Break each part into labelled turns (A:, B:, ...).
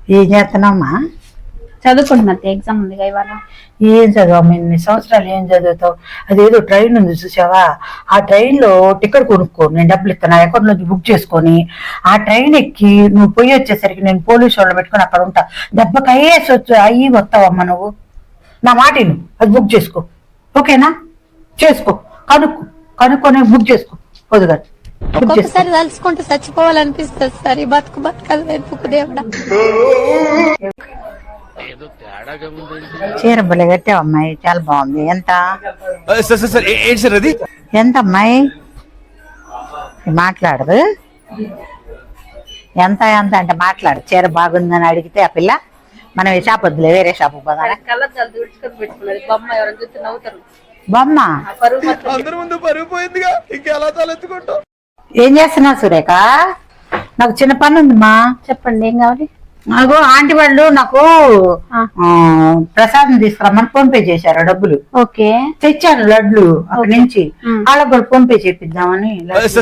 A: ఏం చేస్తున్నామ్మా?
B: చదువుకుంటున్నా. ఎగ్జామ్ ఉంది ఇవాళ.
A: ఏం చదువు ఇన్ని సంవత్సరాలు ఏం చదువుతావు? అదేదో ట్రైన్ ఉంది చూసావా, ఆ ట్రైన్ లో టికెట్ కొనుక్కో, నేను డబ్బులు ఇస్తాను, నా అకౌంట్ నుంచి బుక్ చేసుకొని ఆ ట్రైన్ ఎక్కి నువ్వు పోయి వచ్చేసరికి నేను పోలీసు వాళ్ళు పెట్టుకొని అక్కడ ఉంటా. దెబ్బకి అయ్యేసి అయ్యి వస్తావమ్మా నువ్వు. నా మాట విను, అది బుక్ చేసుకో. ఓకేనా? చేసుకో, కనుక్కొని బుక్ చేసుకో. పొద్దుగా
C: ఒక్కొక్కసారి తలుచుకుంటే చచ్చిపోవాలనిపిస్తుంది సార్. ఈ బతుకు బతకాలి వెతుకు దేవుడా.
A: చీర బలే కట్టావు అమ్మాయి, చాలా బాగుంది. ఎంత ఎంత అమ్మాయి? మాట్లాడదు. ఎంత ఎంత అంటే మాట్లాడు. చీర బాగుందని అడిగితే ఆ పిల్ల మనం ఈ షాప్ వద్దులే, వేరే షాప్ పోదా. బొమ్మ ఏం చేస్తున్నావు సురేఖ? నాకు చిన్న పని ఉందిమా.
B: చెప్పండి, ఏం కావాలి?
A: నాకు ఆంటీ వాళ్ళు నాకు ప్రసాదం తీసుకురమ్మని ఫోన్ పే చేశారు డబ్బులు.
B: ఓకే,
A: తెచ్చాను లడ్లు అక్కడి నుంచి. వాళ్ళకి కూడా ఫోన్ పే చేపిద్దామని.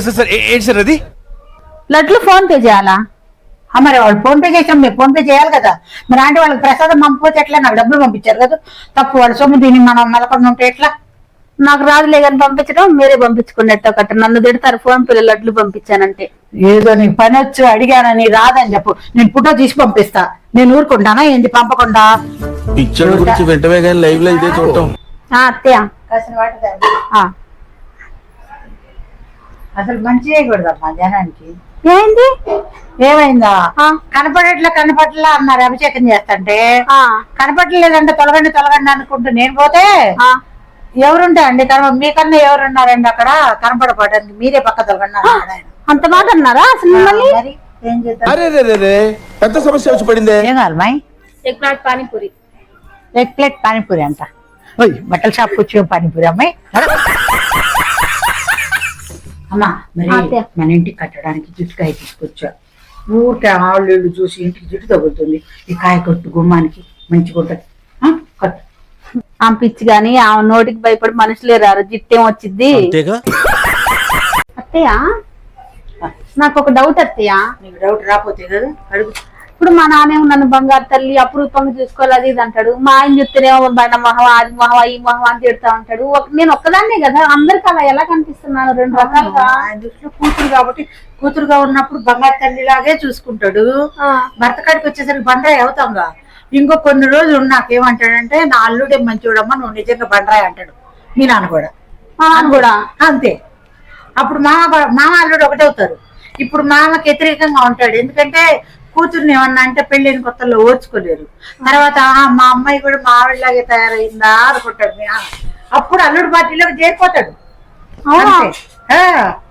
B: లడ్లు ఫోన్ పే చేయాలా?
A: మరి వాళ్ళు ఫోన్ పే చేసాం, మీరు ఫోన్ పే చేయాలి కదా. మరి ఆంటీ వాళ్ళకి ప్రసాదం పంపిపోతే ఎట్లా? నాకు డబ్బులు పంపించారు కదా, తప్పు. వాళ్ళ సొమ్ము దీన్ని మనం నెలకొని ఉంటే ఎట్లా?
B: నాకు రాదులే కానీ పంపించడం, మీరే పంపించుకున్నట్టు ఒకటి. నన్ను తిడతారు ఫోన్ పే లడ్లు పంపించానంటే.
A: ఏదో నీ పని వచ్చి అడిగానని రాదని చెప్పు, నేను ఫోటో తీసి పంపిస్తా. నేను ఊరుకుంటానా ఏంటి పంపకుండా?
B: అత్తయ్య
A: అసలు మంచి చేయకూడదమ్మా జనానికి.
B: ఏంటి?
A: ఏమైందా? కనపడట్లా అన్నారు అభిషేకం చేస్తంటే. కనపడలేదంటే తొలగండి అనుకుంటూ నేను పోతే ఎవరుంటాయండి? మీకన్నా ఎవరున్నారండి అక్కడ కనపడపడానికి? మీరే పక్క తొలగండి అన్నాడు ఆయన.
B: అంత మాట అన్నారా అసలు మిమ్మల్ని?
A: ఏం చేద్దాం?
D: పెద్ద సమస్య వచ్చి పడింది.
A: ఏం కావాలి?
B: Egg plate panipuri.
A: Egg plate panipuri అంట. బట్టల షాప్ వచ్చి పానీపూరి అమ్మాయి. అమ్మా మరి మన ఇంటికి కట్టడానికి జుట్టుకాయ తీసుకొచ్చా. ఊరికే ఆళ్ళు చూసి ఇంటికి జుట్టు తగులుతుంది. ఈ కాయ కొట్టు గుమ్మానికి మంచిగా ఉంటుంది. కట్టు.
B: ఆ పిచ్చి గాని ఆ నోటికి భయపడి మనుషులే రారు. జిట్టేం వచ్చింది. అత్తయ్య నాకు ఒక డౌట్ అత్తయ్య.
A: నీకు డౌట్ రాపోతే కదా అడుగు.
B: ఇప్పుడు మా నాన్నేమో నన్ను బంగారు తల్లి అపురూపంగా చూసుకోవాలి అది ఇది అంటాడు. మా ఆయన చెప్తేనేమో బయట మహవా అది మహవా ఈ మహవా అని తిడతా ఉంటాడు. నేను ఒక్కదాన్నే కదా, అందరికి అలా ఎలా కనిపిస్తున్నాను? రెండు రకాలుగా.
A: ఆయన దృష్టిలో కూతురు కాబట్టి కూతురుగా ఉన్నప్పుడు బంగారు తల్లిలాగే చూసుకుంటాడు. భర్త కాడికి వచ్చేసరికి బండరాయి అవుతాంగా. ఇంకో కొన్ని రోజులు నాకేమంటాడంటే, నా అల్లుడే మంచివాడమ్మా, నువ్వు నిజంగా బండరాయి అంటాడు మీ నాన్న కూడా.
B: మా నాన్న కూడా
A: అంతే. అప్పుడు మామ అల్లుడు ఒకటే అవుతారు. ఇప్పుడు మామకి వ్యతిరేకంగా ఉంటాడు. ఎందుకంటే కూతుర్ని ఏమన్నా అంటే పెళ్ళైన కొత్తలో ఓర్చుకోలేరు. తర్వాత మా అమ్మాయి కూడా మా ఆవిడలాగే తయారైందా అనుకుంటాడు. అప్పుడు అల్లుడు పార్టీలోకి చేరిపోతాడు.